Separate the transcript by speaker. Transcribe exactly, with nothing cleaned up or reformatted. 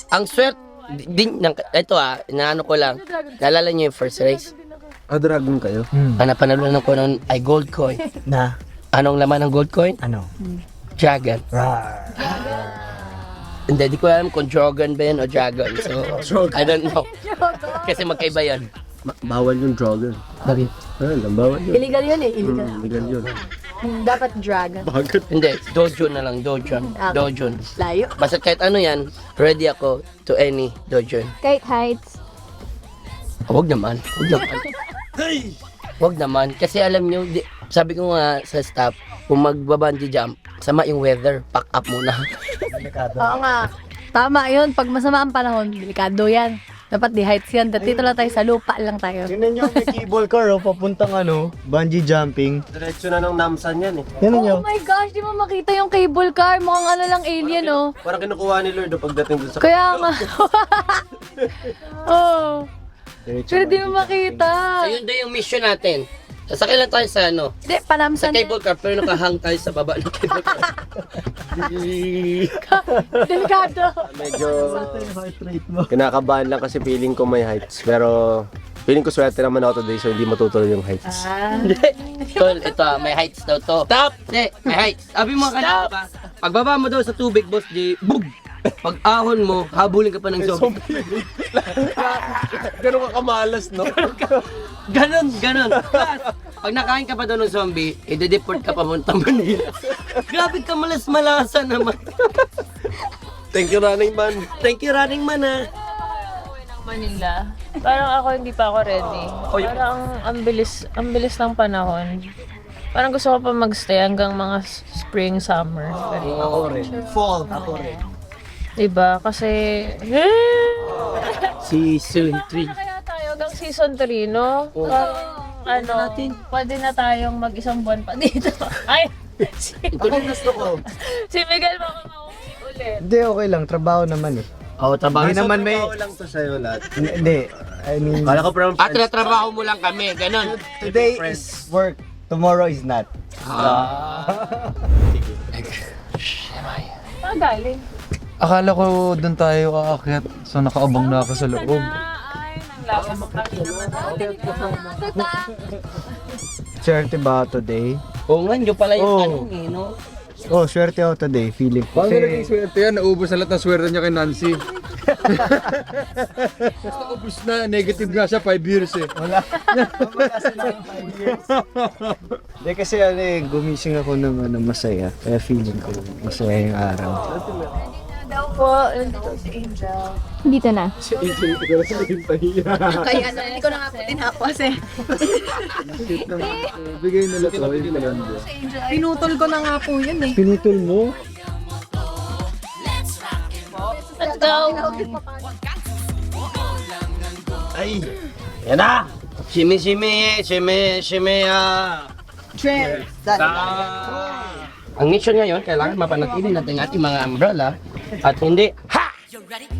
Speaker 1: Ang swerte, din, ng, ito ah, inaano ko lang, naalala niyo yung first race?
Speaker 2: Ah, dragon kayo?
Speaker 3: Hmm.
Speaker 1: Ang napanalunan ko noon ay gold coin.
Speaker 3: Na?
Speaker 1: Anong laman ng gold coin?
Speaker 3: Ano?
Speaker 1: Dragon.
Speaker 3: Rar.
Speaker 1: Hindi, di ko alam kung Dragon ba yan o Dragon. So, I don't know. Kasi magkaiba yan.
Speaker 2: Ma- bawal yung dragon.
Speaker 1: Bakit?
Speaker 2: Ah, lang, bawal yun.
Speaker 4: Illegal yun eh, illegal.
Speaker 2: Hmm, legal yun.
Speaker 4: Dapat dragon.
Speaker 2: Bakit?
Speaker 1: Hindi, dojo na lang, dojon.
Speaker 4: Okay.
Speaker 1: Dojon.
Speaker 4: Layo.
Speaker 1: Basta kahit ano yan, ready ako to any dojon.
Speaker 5: Kahit heights.
Speaker 1: Oh, wag naman, wag naman. Wag naman, kasi alam nyo, di, sabi ko nga sa staff, kung magbabungee jump, sama yung weather, pack up muna.
Speaker 4: Oo nga. Tama yun. Pag masama ang panahon, delikado yan. Dapat di heights yan. Dito lang tayo sa lupa lang tayo.
Speaker 3: Tingnan nyo, may cable car, oh, papuntang ano, bungee jumping.
Speaker 2: Diretso na ng namsan yan eh.
Speaker 3: Tingnan nyo.
Speaker 4: Oh my gosh, di mo makita yung cable car. Mukhang ano lang alien, oh.
Speaker 2: Parang kinukuha ni Lord oh, pagdating dun sa...
Speaker 4: Kaya nga. Oh.
Speaker 3: Diretso
Speaker 4: Pero di
Speaker 3: bungee
Speaker 4: mo makita.
Speaker 1: So yun daw yung mission natin. Sasakay lang tayo sa ano,
Speaker 4: Di,
Speaker 1: sa
Speaker 4: panamsan.
Speaker 1: cable car, pero nakahang tayo sa baba ng cable car.
Speaker 4: Delikado.
Speaker 2: Medyo
Speaker 3: jumping. Heart rate mo.
Speaker 2: kinakabahan lang kasi feeling ko may heights. Pero feeling ko swerte naman ako today so hindi matutuloy yung heights.
Speaker 4: Ah.
Speaker 1: Tol, ito ah, may heights daw to. Stop! Hindi, may heights. Sabi mo kanina ba, pagbaba mo daw sa tubig, boss, di, bug! Pag ahon mo, habulin ka pa ng zombie.
Speaker 2: Ganun ka kamalas, no?
Speaker 1: Ganon, ganon. Plus, pag nakain ka pa daw ng zombie, i-deport ka pa puntang Manila. Grabe ka malas-malasa naman.
Speaker 2: Thank you, running man.
Speaker 1: Thank you, running man ah.
Speaker 6: Manila. Parang ako hindi pa ako ready. Parang ang bilis, ang bilis ng panahon. Parang gusto ko pa magstay hanggang mga s- spring, summer.
Speaker 1: Oo,
Speaker 3: Fall. Ako rin.
Speaker 6: Diba? Kasi...
Speaker 1: Season three.
Speaker 6: Kaya tayo hanggang season three, no? Parang, ano, pwede na tayong mag-isang buwan pa dito. Ay! Si,
Speaker 1: Ito rin gusto ko.
Speaker 6: si Miguel makakauwi ulit.
Speaker 3: Hindi, okay lang. Trabaho naman eh.
Speaker 1: Oo, trabaho.
Speaker 3: Hindi naman may...
Speaker 2: Trabaho lang to sa'yo lahat.
Speaker 3: Hindi. I mean,
Speaker 2: Kala ko parang
Speaker 1: At trabaho mo lang kami, ganon.
Speaker 3: today is work. Tomorrow is not.
Speaker 1: Ah.
Speaker 6: Ah, galing.
Speaker 7: Akala ko doon tayo aakyat, so nakaabang na ako sa loob.
Speaker 6: Ay, nang
Speaker 3: Swerte ba ako today?
Speaker 1: Oo nga, yun pala yung
Speaker 3: Oo.
Speaker 1: tanong eh, no?
Speaker 3: Oh, swerte ako today. Feeling ko.
Speaker 7: Paano naging swerte yan? Naubos na lahat ng swerte niya kay Nancy. Basta ubos na, negative nga siya, five years eh.
Speaker 3: Wala. Wala sila ng five years. Hindi kasi ano eh, gumising ako ng ano, masaya. Kaya feeling ko masaya yung araw.
Speaker 6: daw po, nandito si Angel.
Speaker 5: Dito na.
Speaker 4: Kaya ano, hindi ko na nga po tinako kasi.
Speaker 7: Bigay nila to, hindi na yan.
Speaker 4: Pinutol ko na nga po yun eh.
Speaker 3: Pinutol mo?
Speaker 6: Let's go!
Speaker 1: Ay, yan na! Shimmy, shimmy, shimmy, shimmy, ah!
Speaker 4: Trend.
Speaker 1: Ang mission ngayon, kailangan mapanatili natin ang ating mga umbrella at hindi, ha!